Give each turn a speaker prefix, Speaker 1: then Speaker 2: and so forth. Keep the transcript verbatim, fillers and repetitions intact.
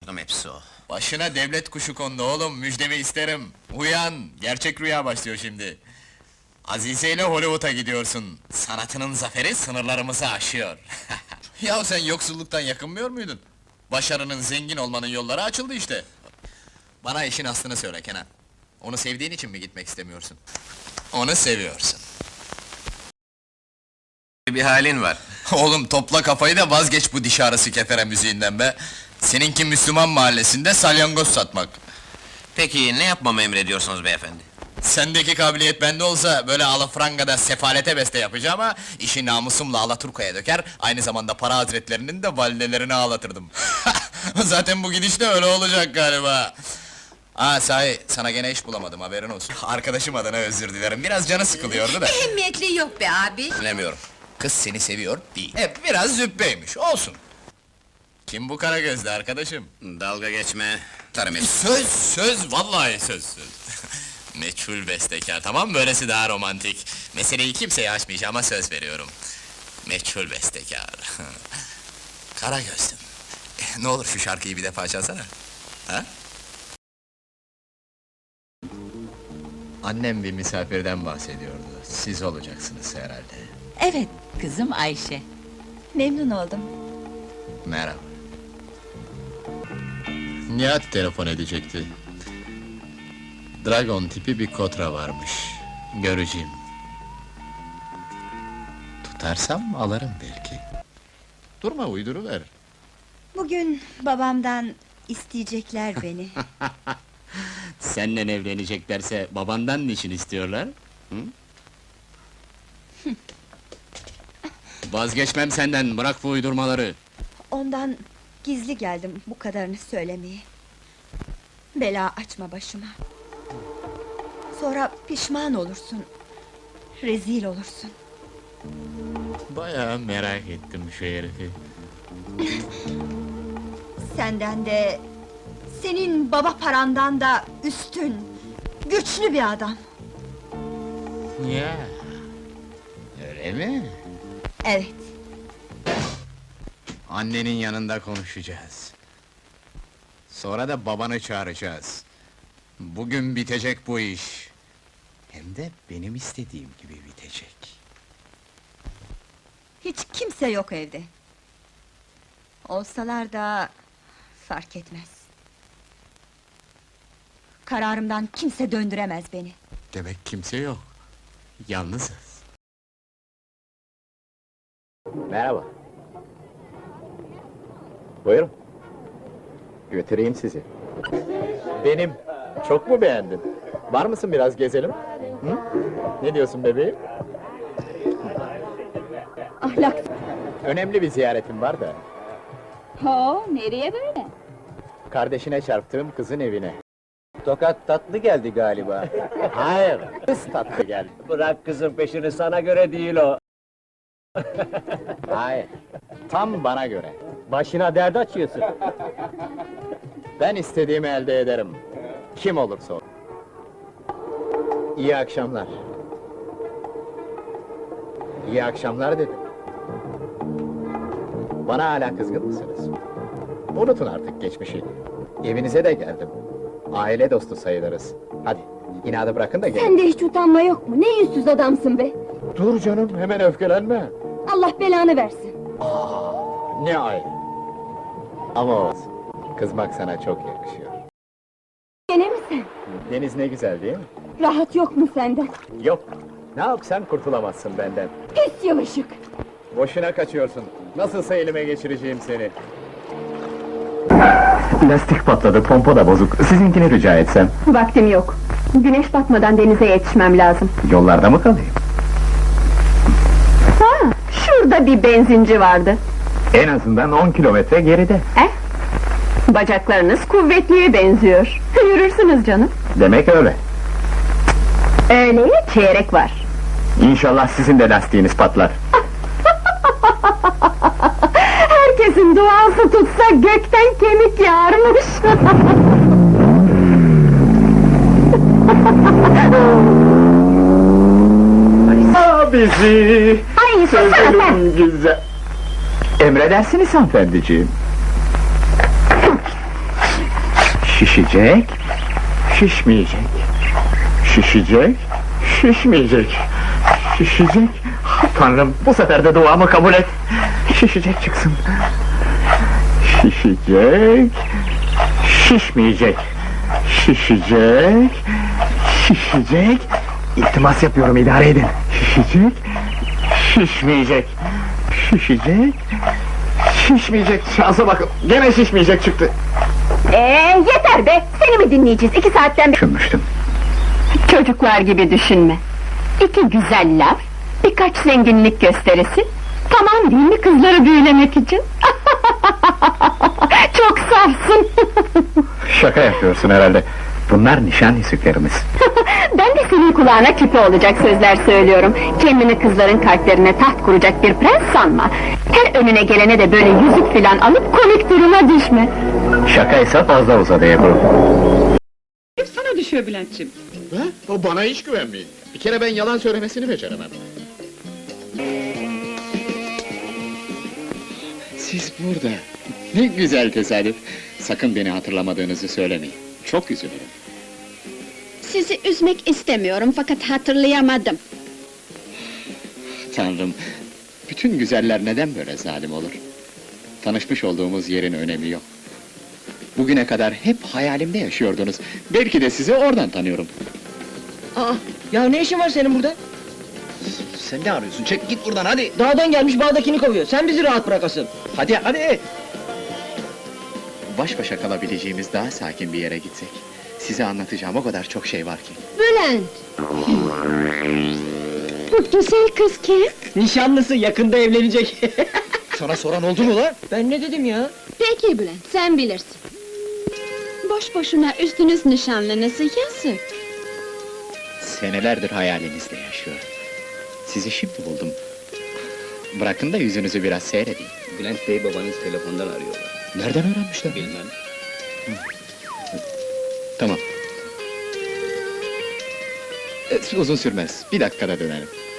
Speaker 1: sanıyordum, hepsi o.
Speaker 2: Başına devlet kuşu kondu oğlum, müjdemi isterim. Uyan, gerçek rüya başlıyor şimdi. Azize ile Hollywood'a gidiyorsun. Sanatının zaferi sınırlarımızı aşıyor. Ya sen yoksulluktan yakınmıyor muydun? Başarının, zengin olmanın yolları açıldı işte. Bana işin aslını söyle Kenan. Onu sevdiğin için mi gitmek istemiyorsun? Onu seviyorsun.
Speaker 1: Bir halin var.
Speaker 2: Oğlum topla kafayı da vazgeç bu diş ağrısı kefere müziğinden be! Seninki Müslüman mahallesinde salyangoz satmak.
Speaker 1: Peki, ne yapmamı emrediyorsunuz beyefendi?
Speaker 2: Sendeki kabiliyet bende olsa, böyle alafrangada sefalete beste yapacağım ama... ...işi namusumla Alaturka'ya döker, aynı zamanda para hazretlerinin de validelerini ağlatırdım. Zaten bu gidişle öyle olacak galiba! Aa sahi, sana gene iş bulamadım, haberin olsun. Arkadaşım adına özür dilerim, biraz canı sıkılıyordu da.
Speaker 3: Ehemmiyetli yok be abi!
Speaker 2: Bilemiyorum, kız seni seviyor değil. Hep biraz züppeymiş, olsun! Kim bu kara gözlü arkadaşım?
Speaker 1: Dalga geçme, tarım et.
Speaker 2: Söz, söz, vallahi söz, söz! Meçhul bestekâr, tamam, böylesi daha romantik. Meseleyi kimseye açmayacağım ama söz veriyorum. Meçhul bestekâr. Kara gözlüm. Eh, ne olur şu şarkıyı bir defa çalsana. Ha? Annem bir misafirden bahsediyordu. Siz olacaksınız herhalde.
Speaker 3: Evet, kızım Ayşe. Memnun oldum.
Speaker 2: Merhaba. Nihat telefon edecekti. Dragon tipi bir kotra varmış. Göreceğim. Tutarsam alırım belki. Durma, uyduruver.
Speaker 4: Bugün babamdan isteyecekler beni.
Speaker 2: Seninle evleneceklerse babandan niçin istiyorlar? Hı? Vazgeçmem senden, bırak bu uydurmaları.
Speaker 4: Ondan gizli geldim bu kadarını söylemeye. Bela açma başıma. Sonra pişman olursun. Rezil olursun.
Speaker 2: Bayağı merak ettim şu herifi.
Speaker 4: Senden de, senin baba parandan da üstün, güçlü bir adam.
Speaker 2: Ya, öyle mi?
Speaker 4: Evet.
Speaker 2: Annenin yanında konuşacağız. Sonra da babanı çağıracağız. Bugün bitecek bu iş. Hem de benim istediğim gibi bitecek.
Speaker 4: Hiç kimse yok evde. Olsalar da fark etmez. Kararımdan kimse döndüremez beni.
Speaker 2: Demek kimse yok. Yalnızız.
Speaker 5: Merhaba. Buyurun. Götüreyim sizi. Benim. Çok mu beğendin? Var mısın biraz gezelim? Hı? Ne diyorsun bebeğim?
Speaker 4: Ahlak.
Speaker 5: Önemli bir ziyaretim var da.
Speaker 4: Oo, nereye böyle?
Speaker 5: Kardeşine çarptığım kızın evine. Tokat tatlı geldi galiba. Hayır, kız tatlı geldi.
Speaker 6: Bırak kızın peşini, sana göre değil o.
Speaker 5: Hayır, tam bana göre.
Speaker 6: Başına dert açıyorsun.
Speaker 5: Ben istediğimi elde ederim. Kim olursa o. İyi akşamlar. İyi akşamlar dedim. Bana hala kızgın mısınız? Unutun artık geçmişi. Evinize de geldim. Aile dostu sayılırız. Hadi, inadı bırakın da gelin.
Speaker 7: Sende hiç utanma yok mu? Ne yüzsüz adamsın be!
Speaker 5: Dur canım, hemen öfkelenme.
Speaker 7: Allah belanı versin!
Speaker 5: Aa, ne ay! Ama olsun, kızmak sana çok yakışıyor.
Speaker 7: Gene mi sen?
Speaker 5: Deniz ne güzel değil mi?
Speaker 7: Rahat yok mu senden?
Speaker 5: Yok, ne yapsan kurtulamazsın benden.
Speaker 7: Pis yavaşık!
Speaker 5: Boşuna kaçıyorsun, nasılsa elime geçireceğim seni.
Speaker 8: Lastik patladı, pompa da bozuk. Sizinkini rica etsem.
Speaker 7: Vaktim yok. Güneş batmadan denize yetişmem lazım.
Speaker 8: Yollarda mı kalayım?
Speaker 7: Ha, şurada bir benzinci vardı.
Speaker 8: En azından on kilometre geride.
Speaker 7: Eh? Bacaklarınız kuvvetliye benziyor. Yürürsünüz canım.
Speaker 8: Demek öyle.
Speaker 7: Öyleye çeyrek var.
Speaker 8: İnşallah sizin de lastiğiniz patlar.
Speaker 7: Herkesin duası tutsa gökten kemik yağarmış.
Speaker 8: Abisi!
Speaker 7: Ay susana sen!
Speaker 8: Sözlerim güzel. Emredersiniz hanımefendiciğim.
Speaker 5: Şişecek, şişmeyecek. Şişecek, şişmeyecek. Şişecek. Tanrım, bu sefer de duamı kabul et. Şişecek çıksın. Şişecek, şişmeyecek. Şişecek, şişecek. İltimas yapıyorum, idare edin. Şişecek, şişmeyecek. Şişecek, şişmeyecek. Şansa bakın, gene şişmeyecek çıktı.
Speaker 7: Ee, yeter be! Seni mi dinleyeceğiz? İki saatten beri...
Speaker 5: Düşünmüştüm.
Speaker 7: Çocuklar gibi düşünme. İki güzel laf, birkaç zenginlik gösterisi... Tamam değil mi kızları büyülemek için? Çok safsın!
Speaker 5: Şaka yapıyorsun herhalde. Bunlar nişan yüzüklerimiz.
Speaker 7: Ben de senin kulağına küpe olacak sözler söylüyorum. Kendini kızların kalplerine taht kuracak bir prens sanma. Her önüne gelene de böyle yüzük filan alıp komik duruma düşme.
Speaker 5: Şakaysa fazla uzadı Ebru.
Speaker 3: Sana düşüyor Bülent'ciğim.
Speaker 5: Ha? O bana hiç güvenmeyin. Bir kere ben yalan söylemesini beceremem. Siz burada. Ne güzel tesadüf. Sakın beni hatırlamadığınızı söylemeyin. Çok üzülürüm.
Speaker 9: Sizi üzmek istemiyorum fakat hatırlayamadım.
Speaker 5: Tanrım, bütün güzeller neden böyle zalim olur? Tanışmış olduğumuz yerin önemi yok. Bugüne kadar hep hayalimde yaşıyordunuz. Belki de sizi oradan tanıyorum.
Speaker 10: Aa, ya ne işin var senin burada?
Speaker 5: Sen ne arıyorsun? Çek git buradan hadi!
Speaker 10: Dağdan gelmiş bağdakini kovuyor. Sen bizi rahat bırakasın.
Speaker 5: Hadi hadi! Baş başa kalabileceğimiz daha sakin bir yere gitsek. Size anlatacağım o kadar çok şey var ki.
Speaker 9: Bülent! Bu güzel kız kim?
Speaker 10: Nişanlısı yakında evlenecek.
Speaker 5: Sana soran oldu mu lan?
Speaker 10: Ben ne dedim ya?
Speaker 9: Peki Bülent, sen bilirsin. Boş boşuna üstünüz nişanlınızı yazık.
Speaker 5: Senelerdir hayalinizde yaşıyorum. Sizi şimdi buldum. Bırakın da yüzünüzü biraz seyredeyim.
Speaker 6: Bülent Bey babanız telefondan arıyorlar.
Speaker 5: Nereden öğrenmişler?
Speaker 6: Bilmem.
Speaker 5: Tamam. E, uzun sürmez. Bir dakikada dönerim.